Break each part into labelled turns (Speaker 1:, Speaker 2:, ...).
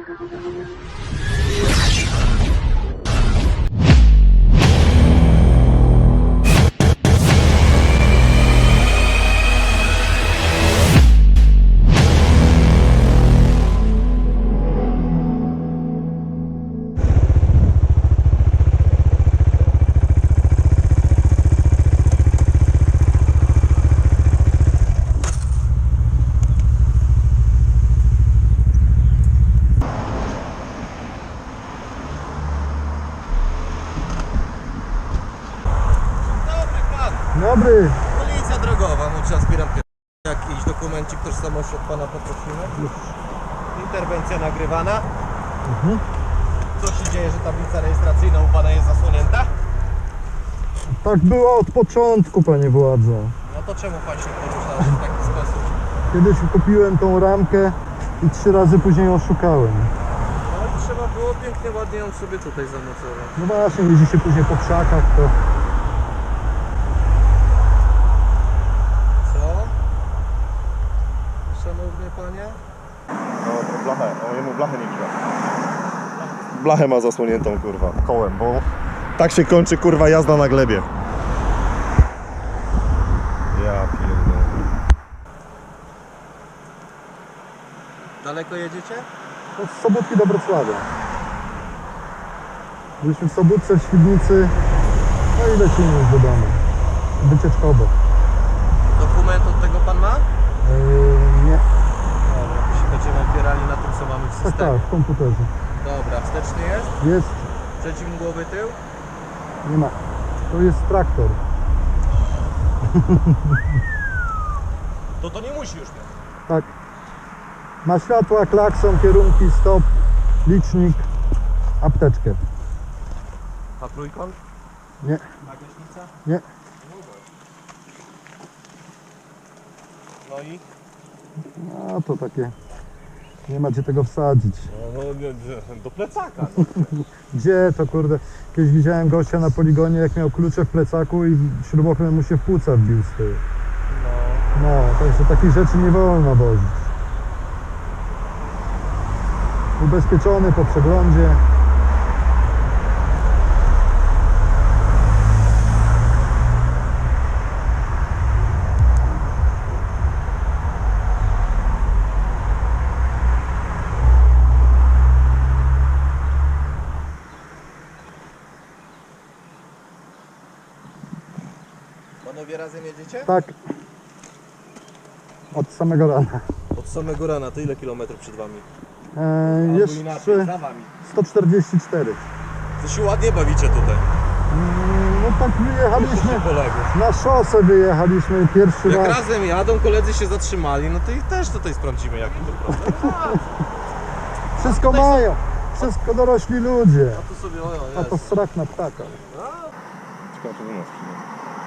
Speaker 1: Dobry.
Speaker 2: Policja drogowa, no trzeba zbieram jakiś dokumencik tożsamości od pana poprosimy. Interwencja nagrywana. Co się dzieje, że tablica rejestracyjna u pana jest zasłonięta?
Speaker 1: Tak było od początku, panie władzo.
Speaker 2: No to czemu pan się poruszał w taki sposób?
Speaker 1: Kiedyś kupiłem tą ramkę i 3 razy później ją szukałem.
Speaker 2: No i trzeba było pięknie, ładnie ją sobie tutaj zamocować.
Speaker 1: No właśnie, jeździ się później po krzakach, to...
Speaker 2: Co? Szanowny panie?
Speaker 3: No blachę, no jemu blachę nie widać. Blachę ma zasłoniętą kurwa kołem, bo tak się kończy kurwa jazda na glebie. Ja pierdolę.
Speaker 2: Daleko jedziecie?
Speaker 1: To z Sobótki do Wrocławia. Byliśmy w Sobótce, w Świdnicy, no i lecimy już do domu. Wycieczkowo.
Speaker 2: Dokument od tego pan ma?
Speaker 1: Nie.
Speaker 2: Dobra, to się będziemy opierali na tym, co mamy w
Speaker 1: Tak,
Speaker 2: systemie.
Speaker 1: tak, w komputerze.
Speaker 2: Dobra, wsteczny jest?
Speaker 1: Jest,
Speaker 2: Przeciwmgłowy tył?
Speaker 1: nie ma. To jest traktor.
Speaker 2: To nie musi już mieć.
Speaker 1: Tak. Ma światła, klakson, kierunki, stop, licznik, apteczkę.
Speaker 2: A trójkąt?
Speaker 1: Nie,
Speaker 2: A gaśnica?
Speaker 1: nie.
Speaker 2: No i?
Speaker 1: No to takie. Nie ma gdzie tego wsadzić.
Speaker 2: No, do plecaka.
Speaker 1: Gdzie to kurde? Kiedyś widziałem gościa na poligonie, jak miał klucze w plecaku i śrubokręt mu się w płuca wbił z tyłu. No, także takich rzeczy nie wolno wozić. Ubezpieczony po przeglądzie.
Speaker 2: Panowie razem jedziecie?
Speaker 1: Tak. Od samego rana.
Speaker 2: Od samego rana, to ile kilometrów przed wami?
Speaker 1: Jeszcze
Speaker 2: za wami.
Speaker 1: 144.
Speaker 2: To się ładnie bawicie tutaj.
Speaker 1: No tak wyjechaliśmy.
Speaker 2: Kolegów.
Speaker 1: Na szosę wyjechaliśmy pierwszy
Speaker 2: Jak
Speaker 1: raz.
Speaker 2: razem jadą, koledzy się zatrzymali, no to ich też tutaj sprawdzimy, jaki to problem.
Speaker 1: Wszystko mają. Wszystko dorośli ludzie.
Speaker 2: A tu sobie,
Speaker 1: A to strach na ptaka.
Speaker 3: Ciekawe, czy u nas przyjdzie.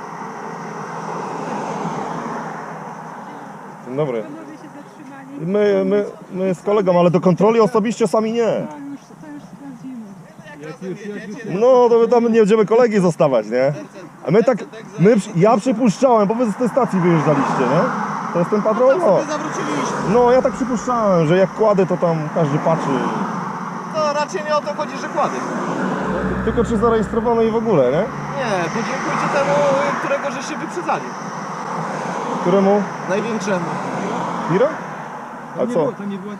Speaker 3: Dzień dobry.
Speaker 4: Panowie się zatrzymali.
Speaker 3: My z kolegą, ale do kontroli osobiście sami nie.
Speaker 4: To już sprawdzimy.
Speaker 3: No to my tam nie będziemy kolegi zostawać, nie? A my tak, ja przypuszczałem, bo wy z tej stacji wyjeżdżaliście, nie? To jest ten patrol? No.
Speaker 2: zawróciliśmy.
Speaker 3: No ja tak przypuszczałem, że jak kładę to tam każdy patrzy.
Speaker 2: No raczej nie o to chodzi, że kłady.
Speaker 3: Tylko czy zarejestrowano i w ogóle, nie?
Speaker 2: Nie, podziękujcie temu, którego żeście wyprzedzali.
Speaker 3: Któremu?
Speaker 2: Największemu.
Speaker 3: Miro? A co?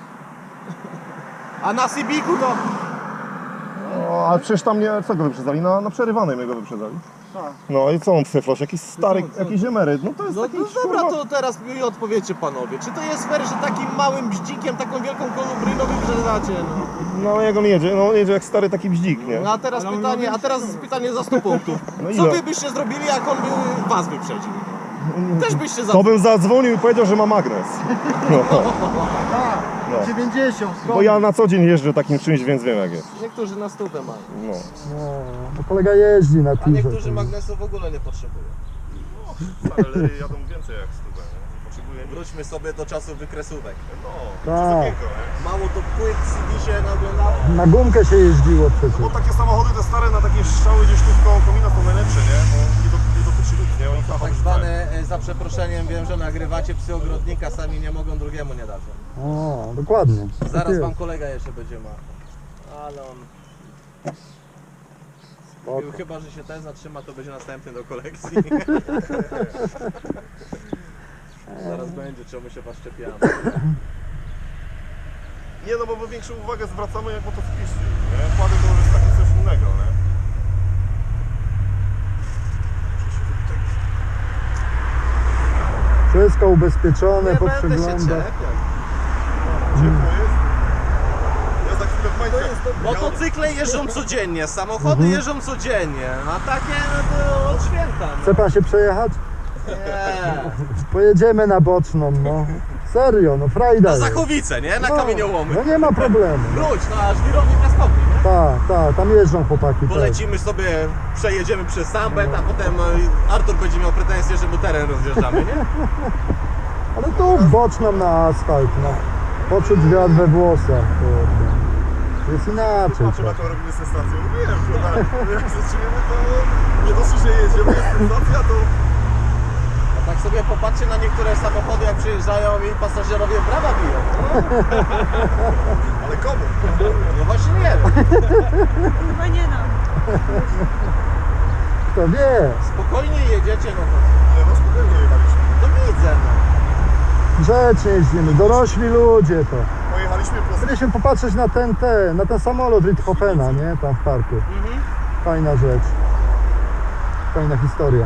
Speaker 2: A na Sybiku to...
Speaker 3: No, ale przecież tam nie, co go wyprzedzali? Na przerywanej mnie go wyprzedzali. No i co on twyfloś? Jakiś stary, jakiś emeryt, no to jest
Speaker 2: No,
Speaker 3: taki
Speaker 2: dobra,
Speaker 3: kurwa...
Speaker 2: to teraz mi odpowiedzcie panowie. Czy to jest fair, że takim małym bździkiem, taką wielką kolubryną wyprzedzacie? No.
Speaker 3: No jak on jedzie? No on jedzie jak stary taki bździk, nie?
Speaker 2: No a teraz pytanie za 100 punktów.
Speaker 3: No
Speaker 2: Co
Speaker 3: ile?
Speaker 2: wy byście zrobili, jak on by was wyprzedził? Też byście za...
Speaker 3: To bym zadzwonił i powiedział, że ma magnes. No. No.
Speaker 1: 90.
Speaker 3: Bo ja na co dzień jeżdżę takim czymś, więc wiem jak jest.
Speaker 2: Niektórzy na stówę mają,
Speaker 3: No.
Speaker 1: No kolega jeździ na
Speaker 2: a
Speaker 1: tirze.
Speaker 2: niektórzy magnesu w ogóle nie potrzebują.
Speaker 3: Ale jadą więcej jak stówę, nie? Potrzebuję...
Speaker 2: Wróćmy sobie do czasów wykresówek.
Speaker 3: No,
Speaker 1: Tak.
Speaker 2: Mało to płyt CD się naoglądało.
Speaker 1: Na gumkę się jeździło przecież.
Speaker 3: Bo takie samochody te stare na takie strzały gdzieś tu koło komina są najlepsze, nie? Bo nie dotyczy ludzi, nie? Oni
Speaker 2: To tak zwane, za przeproszeniem, wiem, że nagrywacie psy ogrodnika, sami nie mogą, drugiemu nie dadzą.
Speaker 1: O, dokładnie. Tak
Speaker 2: Zaraz
Speaker 1: jest.
Speaker 2: wam kolega jeszcze będzie ma. Ale on...
Speaker 1: Spoko.
Speaker 2: Chyba, że się ten zatrzyma, to będzie następny do kolekcji. Zaraz będzie, czemu się was czepiamy.
Speaker 3: Nie no, bo my większą uwagę zwracamy jak motocykliści, nie? Kłady to już jest takie coś innego, nie?
Speaker 1: Wszystko ubezpieczone,
Speaker 2: Nie będę się
Speaker 1: poprzeglądać.
Speaker 2: czepiał.
Speaker 3: Ciepło jest? Ja za chwilę w majtkach.
Speaker 2: Motocykle jeżdżą codziennie, samochody jeżdżą codziennie, a takie no to od święta.
Speaker 1: Chce pan się przejechać?
Speaker 2: Nie.
Speaker 1: Pojedziemy na boczną, no. Serio, no frajda
Speaker 2: Na
Speaker 1: jest.
Speaker 2: Zachowice, nie? Na
Speaker 1: No,
Speaker 2: kamieniołomy.
Speaker 1: No nie ma problemu.
Speaker 2: Wróć, no aż wirownik Piaskowy, nie?
Speaker 1: Tak, tam jeżdżą chłopaki też.
Speaker 2: Polecimy sobie, przejedziemy przez Sambet, a potem Artur będzie miał pretensje, że mu teren rozjeżdżamy, nie?
Speaker 1: Ale tu boczną na asfalt, no. Poczuć wiatr we włosach, kurde. Jest inaczej.
Speaker 3: Patrzę na to, robimy sensację. Mówiłem, że jak zaczniemy to nie dosyć, że jedziemy, jest sensacja, to...
Speaker 2: A tak sobie popatrzcie na niektóre samochody, jak przyjeżdżają i pasażerowie brawa biją.
Speaker 3: Ale komu?
Speaker 2: No właśnie nie wiem.
Speaker 4: Chyba nie nam.
Speaker 1: Kto wie?
Speaker 2: Spokojnie jedziecie, no to,
Speaker 3: Nie no, spokojnie jechaliśmy.
Speaker 2: to widzę, no.
Speaker 1: Grzecznie jeździmy, dorośli ludzie to.
Speaker 3: Pojechaliśmy po...
Speaker 1: Chcieliśmy popatrzeć na ten samolot Ritthofena, nie? Tam w parku.
Speaker 2: Mhm.
Speaker 1: Fajna rzecz. Fajna historia.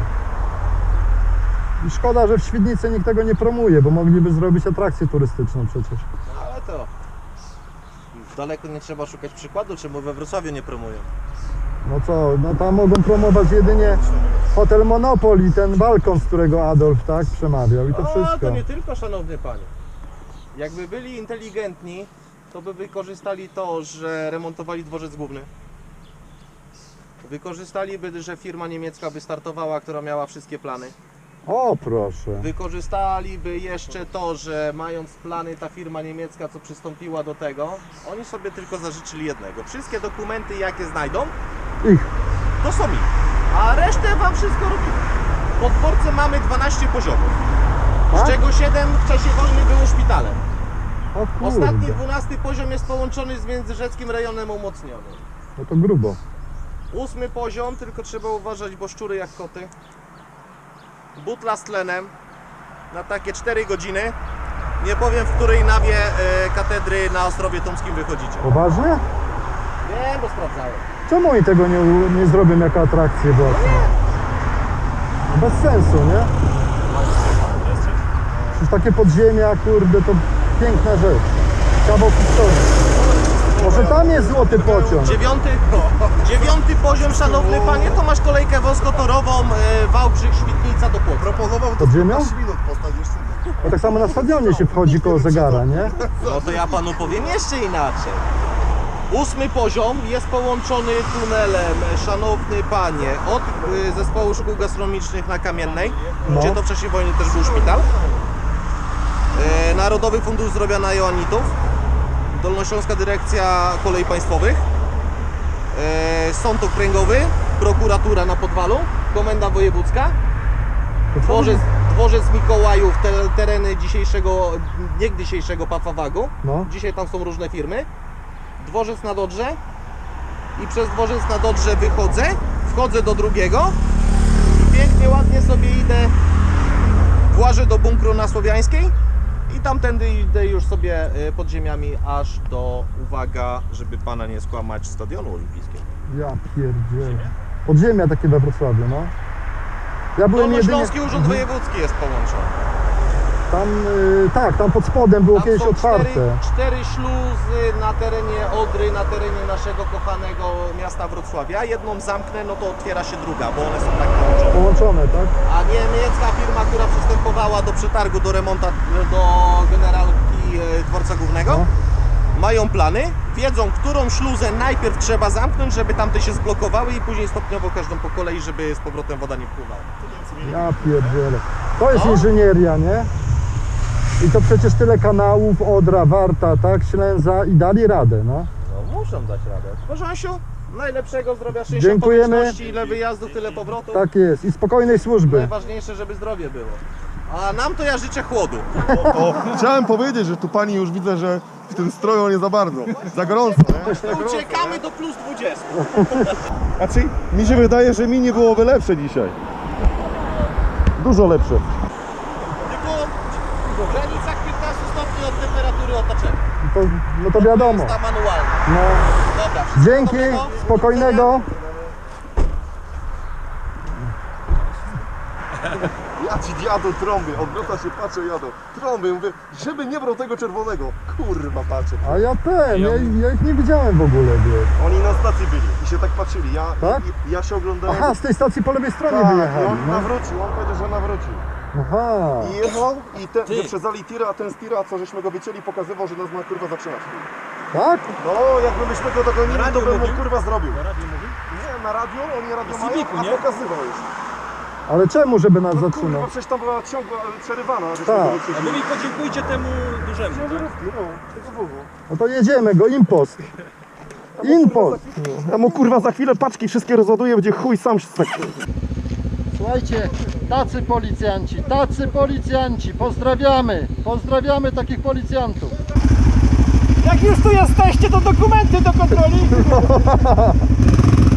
Speaker 1: I szkoda, że w Świdnicy nikt tego nie promuje, bo mogliby zrobić atrakcję turystyczną przecież.
Speaker 2: Ale to... Daleko nie trzeba szukać przykładu, czemu we Wrocławiu nie promują.
Speaker 1: No co, no tam mogą promować jedynie Hotel Monopol i ten balkon, z którego Adolf tak przemawiał i to
Speaker 2: A,
Speaker 1: wszystko.
Speaker 2: to nie tylko, szanowny panie. Jakby byli inteligentni, to by wykorzystali to, że remontowali dworzec główny. Wykorzystaliby, że firma niemiecka wystartowała, która miała wszystkie plany.
Speaker 1: O proszę.
Speaker 2: Wykorzystaliby jeszcze to, że mając plany ta firma niemiecka, co przystąpiła do tego, oni sobie tylko zażyczyli jednego. Wszystkie dokumenty, jakie znajdą,
Speaker 1: Ich.
Speaker 2: to są ich. A resztę wam wszystko robimy. Po dworce mamy 12 poziomów,
Speaker 1: Tak?
Speaker 2: z czego 7 w czasie wojny było szpitalem.
Speaker 1: O
Speaker 2: Ostatni
Speaker 1: kurde.
Speaker 2: 12 poziom jest połączony z międzyrzeckim rejonem umocnionym.
Speaker 1: No to grubo.
Speaker 2: 8 poziom, tylko trzeba uważać, bo szczury jak koty. Butla z tlenem na takie 4 godziny. Nie powiem, w której nawie katedry na Ostrowie Tomskim wychodzicie.
Speaker 1: Poważnie?
Speaker 2: Wiem, bo sprawdzałem.
Speaker 1: Czemu oni tego nie zrobią jako atrakcję własną? No bez sensu, nie? Przecież takie podziemia, kurde, to piękna rzecz. Kawał historii. Może tam jest złoty pociąg.
Speaker 2: 9 poziom, szanowny panie, to masz kolejkę wąskotorową Wałbrzych, Świdnica do Płocka.
Speaker 3: Proponował to
Speaker 1: Pod ziemią?
Speaker 3: 15 minut postać jeszcze.
Speaker 1: Bo tak samo na stadionie się wchodzi koło zegara, nie?
Speaker 2: No to ja panu powiem jeszcze inaczej. 8 poziom jest połączony tunelem, szanowny panie, od zespołu szkół gastronomicznych na Kamiennej,
Speaker 1: No.
Speaker 2: gdzie to w czasie wojny też był szpital. Narodowy Fundusz Zdrowia na Joannitów, Dolnośląska Dyrekcja Kolei Państwowych, Sąd Okręgowy, prokuratura na Podwalu, Komenda Wojewódzka, dworzec Mikołajów, tereny niegdysiejszego Pafawagu.
Speaker 1: No.
Speaker 2: Dzisiaj tam są różne firmy. Dworzec na Dodrze i przez dworzec na Dodrze wychodzę, wchodzę do drugiego i pięknie, ładnie sobie idę, włażę do bunkru na Słowiańskiej i tamtędy idę już sobie podziemiami aż do, uwaga, żeby pana nie skłamać, Stadionu Olimpijskiego.
Speaker 1: Ja pierdzielę. Podziemia takie we Wrocławiu, no. Ja byłem
Speaker 2: Dolnośląski Urząd Wojewódzki jest połączony.
Speaker 1: Tam, tak, tam pod spodem było
Speaker 2: Tam
Speaker 1: kiedyś
Speaker 2: są
Speaker 1: otwarte.
Speaker 2: cztery śluzy na terenie Odry, na terenie naszego kochanego miasta Wrocławia. Jedną zamknę, no to otwiera się druga, bo one są tak połączone.
Speaker 1: Połączone, tak?
Speaker 2: A niemiecka firma, która przystępowała do przetargu, do remontu, do generalki dworca głównego,
Speaker 1: No.
Speaker 2: mają plany, wiedzą, którą śluzę najpierw trzeba zamknąć, żeby tamte się zblokowały i później stopniowo każdą po kolei, żeby z powrotem woda nie wpływała.
Speaker 1: Ja pierdzielę. To jest
Speaker 2: No.
Speaker 1: inżynieria, nie? I to przecież tyle kanałów, Odra, Warta, tak? Ślęza i dali radę, no.
Speaker 2: No muszą dać radę. Bożasiu, najlepszego zdrowia, szczęścia,
Speaker 1: Dziękujemy.
Speaker 2: pomyślności, ile wyjazdów, tyle powrotów.
Speaker 1: Tak jest. I spokojnej służby.
Speaker 2: Najważniejsze, żeby zdrowie było. A nam to ja życzę chłodu.
Speaker 3: O, chciałem powiedzieć, że tu pani już widzę, że w tym stroju nie za bardzo. Za gorąco, nie?
Speaker 2: Uciekamy do plus 20.
Speaker 3: Znaczy, mi się wydaje, że mini byłoby lepsze dzisiaj. Dużo lepsze.
Speaker 2: Tylko w granicach 15 stopni od temperatury otoczenia.
Speaker 1: No to wiadomo.
Speaker 2: To jest ta manualna.
Speaker 1: No.
Speaker 2: Dobra, wszystkiego
Speaker 1: Dzięki,
Speaker 2: dobrego.
Speaker 1: spokojnego.
Speaker 3: Ja ci jadą trąby, odwraca się, patrzę, jadą. Trąby, mówię, żeby nie brał tego czerwonego. Kurwa, patrzę.
Speaker 1: A ja ja ich nie widziałem w ogóle, wiesz.
Speaker 3: Oni na stacji byli i się tak patrzyli.
Speaker 1: Tak?
Speaker 3: Ja się oglądałem.
Speaker 1: Aha, z tej stacji po lewej stronie
Speaker 3: tak, i
Speaker 1: wyjechali.
Speaker 3: on
Speaker 1: No.
Speaker 3: nawrócił, on powiedział, że nawrócił.
Speaker 1: Aha.
Speaker 3: I jechał i ten, wyprzedzali tira, a ten z tira, co żeśmy go wycięli, pokazywał, że nas ma kurwa zatrzymać.
Speaker 1: Tak?
Speaker 3: No, jakbyśmy go dogonili, to bym mu kurwa zrobił.
Speaker 5: Na radiu mówił?
Speaker 3: Nie, na radio, oni radio mają,
Speaker 5: Civicu,
Speaker 3: a
Speaker 5: nie?
Speaker 3: pokazywał już.
Speaker 1: Ale czemu, żeby nas
Speaker 3: No
Speaker 1: zatrzymał?
Speaker 3: kurwa, przecież tam była ciągła, przerywana, żeśmy
Speaker 1: Tak.
Speaker 3: go
Speaker 5: A
Speaker 3: wyprzedzili.
Speaker 5: wy mi podziękujcie temu dużemu, tak?
Speaker 3: No, tego Bogu.
Speaker 1: No to jedziemy go, impost. Impost.
Speaker 3: Ja mu kurwa za chwilę paczki wszystkie rozładuję, będzie chuj sam się tak.
Speaker 1: Słuchajcie, tacy policjanci, pozdrawiamy takich policjantów.
Speaker 5: Jak już tu jesteście, to dokumenty do kontroli!